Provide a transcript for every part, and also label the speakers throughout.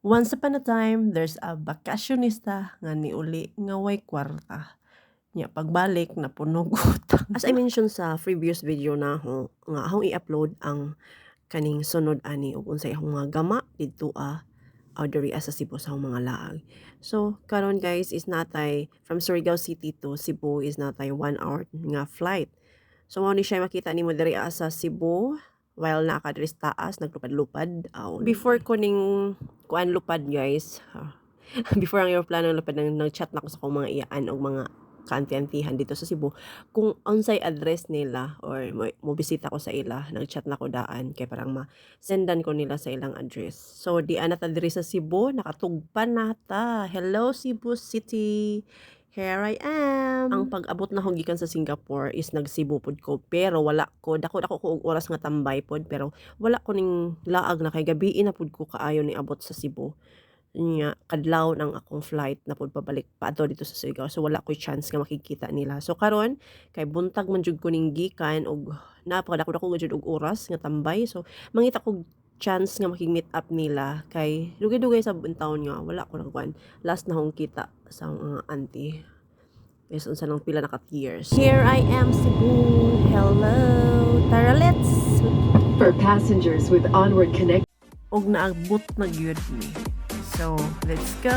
Speaker 1: Once upon a time, there's a bakasyonista nga niuli nga way kwarta. Nya pagbalik napunog utang. As I mentioned sa previous video na nga akong i-upload ang kaning sunod ani ug unsay akong mga gama didto diri sa Cebu sa akong mga laag. So karon guys is natay from Surigao City to Cebu is natay 1 hour nga flight. So mao ni siya makita nimo diri sa Cebu while naka diri sa taas naglupad-lupad. Before ko ning kuan lupad guys, before ang aeroplano lupad nag-chat na ko sa akong mga iyaan og mga kaanti-antihan dito sa Cebu kung unsay address nila or mo bisita ko sa ila, nag-chat na ko daan kay parang ma-sendan ko nila sa ilang address. So di anata diri sa Cebu, nakatugpan nata. Hello Cebu City. Here I am. Ang pag-abot na ko gikan sa Singapore is nag-Cebu pod ko pero wala ko dako ko og oras nga tambay pod pero wala ko ning laag na kay gabi na pod ko kaayo ni abot sa Cebu. Nya kadlaw ng akong flight na pod pabalik paadto dito sa Surigao so wala ko'y chance nga makikita nila. So karon kay buntag man jud ko ning gikan og napakadako jud og oras nga tambay so mangita ko chance nga makig-meet up nila kay dugay-dugay sa taon nga wala ko nagkuan. Last na akong kita sa mga auntie. Yes, unsa nang pila na years. Here I am Cebu. Hello. Tara let's.
Speaker 2: For passengers with Onward Connect.
Speaker 1: Og naabot na gyud mi. So, let's go.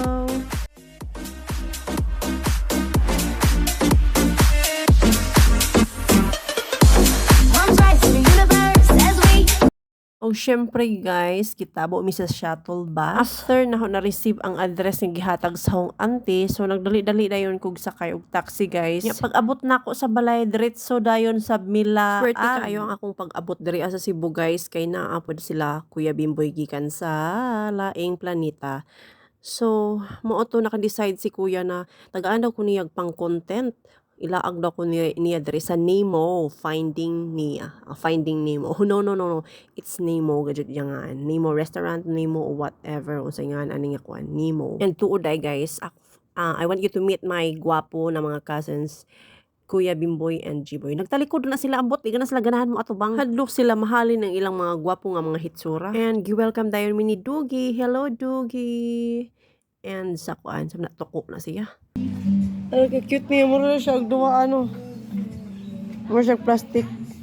Speaker 1: O syempre guys, kitabo mi sa shuttle bus. After na na-receive ang address ng gihatag sa akong auntie, so nagdali-dali dayon kog sakay og taxi guys. Pag abot na ako sa balay diretso dayon sa Mila. Swerte kaayo ang akong pag-abot diri sa Cebu guys kay naapod sila Kuya Bimboy gikan sa laing planeta. So, mao to naka-decide si Kuya na tagaan daw ko niyag pang content. Ilaag daw ko niya diri sa Nemo, Finding Nemo. Oh, no. It's Nemo gadjud yang Nemo restaurant, Nemo or whatever unsay nga ani nga kuan, Nemo. And tuod ay guys, I want you to meet my gwapo na mga cousins. Kuya Bimboy and G-Boy. Nagtalikod na sila ambot, iga na sila ganahan mo atubang. Hadlok sila mahalin ng ilang mga gwapo nga mga hitsura. And gi-welcome dayon mi ni Dugi. Hello Dugi. And sa kuan, sa natoko na siya. Ay, cute niya. Mura na siya. Duwa Mura siya plastic.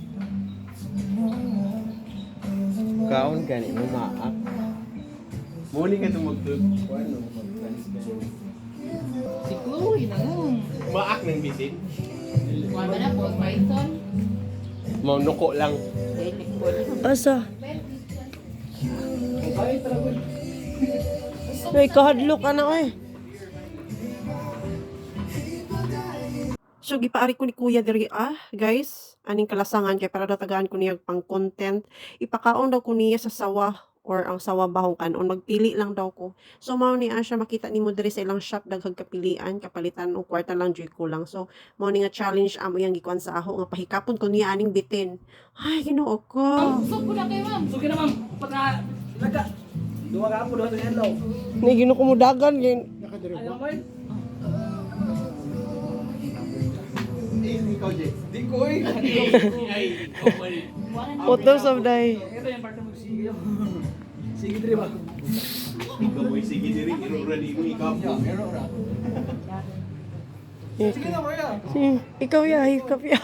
Speaker 3: Kaon gani mo maak. Muli ka tumugtog. Ano
Speaker 4: Si Chloe na lang.
Speaker 3: maak ng bisin.
Speaker 4: Kuha ba na po, Python?
Speaker 3: Mau nuko lang.
Speaker 1: Asa? Ay, kahadlok na eh. So, gipaari ko ni Kuya diri guys. Aning kalasangan kay para datagaan ko niya pang content. Ipakaon daw ko niya sa sawa or ang sawa bahong kanon. Magpili lang daw ko. So, mao ni siya makita nimo diri sa ilang shop daghang kapilian, kapalitan og kwarta lang joy ko lang. So, mao ni nga challenge amo yang gikuan sa ako nga pahikapon ko niya aning bitin. Ay, Ginoo ko.
Speaker 4: Usok po na kayo, ma'am.
Speaker 5: Suki na ma'am, pagka laga. Duwa ka po, duwa sa hello.
Speaker 1: Ni Ginoo ko mo dagan gin.
Speaker 5: Ayaw mo yun?
Speaker 3: Ikaw Jay. Di ko eh.
Speaker 1: Photos of day.
Speaker 5: Ito yung parte mo, sige yun. Sige diri ba?
Speaker 3: Ikaw boy sige diri irura di mo ikaw.
Speaker 5: Sige na mo ya.
Speaker 1: Ikaw ya, hikap ya.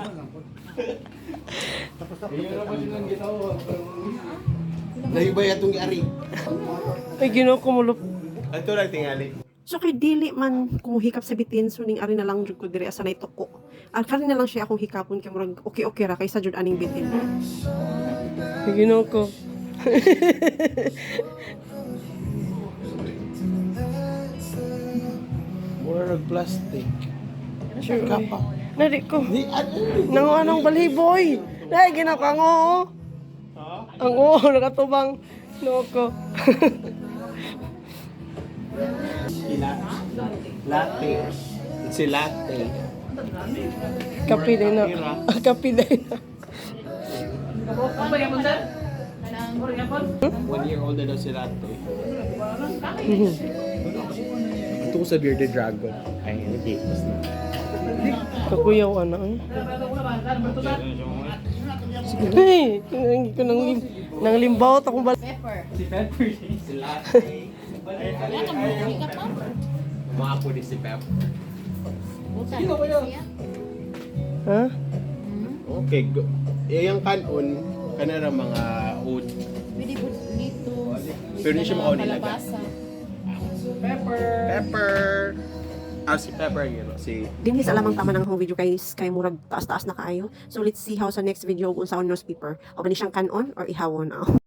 Speaker 3: Lahi ba atong giari?
Speaker 1: Ay, Ginoo ko mo
Speaker 3: Ato lang tingali.
Speaker 1: So kay dili man kumuhikap sa bitin so ning ari na lang jud ko diri asa nay tuko. Kani na lang siya akong hikapon kay murag okay ra kaysa jud aning bitin. Ginoo ko.
Speaker 3: More plastic.
Speaker 1: Sure.
Speaker 3: Kapa.
Speaker 1: Nadi ko.
Speaker 3: Di
Speaker 1: Nang anong balhiboy. Dai ginakang oo. Ang oo nakatubang no ko.
Speaker 3: Latte. It's a latte.
Speaker 1: Kapi din na. Kapi din na.
Speaker 5: Ano ba yan, sir? Ano yan, Paul?
Speaker 3: 1 year old na daw si latte. Ito ko sa Bearded Dragon. Ay, hindi.
Speaker 1: Kakuyaw ana eh. Hey, ko nang limbaw ta kung
Speaker 4: Pepper.
Speaker 3: Si Pepper.
Speaker 6: Sila.
Speaker 4: Wala ka mo, ikat ma'am.
Speaker 6: Mga po di si Pep.
Speaker 4: Buta.
Speaker 3: Sino ba yun?
Speaker 4: Siya.
Speaker 1: Ha?
Speaker 6: Okay, yung kanon, kanara mga oat.
Speaker 4: Pwede po dito.
Speaker 6: Pero hindi siya makaunilaga.
Speaker 4: Kalabasa.
Speaker 6: Pepper! Si Pepper yun. Si
Speaker 1: Dili sa lamang tama ng hong video guys kay murag taas-taas na kaayo. So let's see how sa next video kung sa newspaper o ba ni siyang kanon or ihawon.